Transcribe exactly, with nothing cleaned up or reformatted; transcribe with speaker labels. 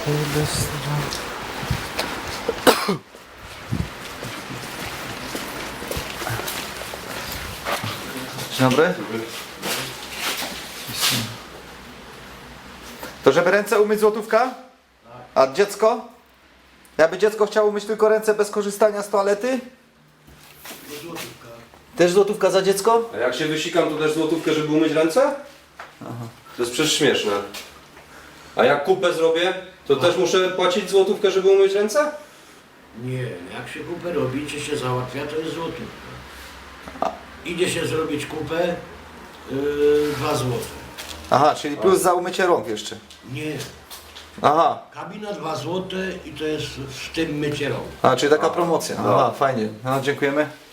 Speaker 1: Dzień dobry. To żeby ręce umyć złotówka? A dziecko? Jakby dziecko chciało umyć tylko ręce bez korzystania z toalety?
Speaker 2: Złotówka.
Speaker 1: Też złotówka za dziecko?
Speaker 3: A jak się wysikam, to też złotówkę, żeby umyć ręce?
Speaker 1: Aha.
Speaker 3: To jest przecież śmieszne. A jak kupę zrobię, to też muszę płacić złotówkę, żeby umyć ręce?
Speaker 2: Nie, jak się kupę robi, czy się załatwia, to jest złotówka. Idzie się zrobić kupę, yy, dwa złote.
Speaker 1: Aha, czyli plus za umycie rąk jeszcze.
Speaker 2: Nie,
Speaker 1: Aha,
Speaker 2: kabina dwa złote i to jest w tym mycie rąk.
Speaker 1: a czyli taka promocja. Aha, fajnie. No, dziękujemy.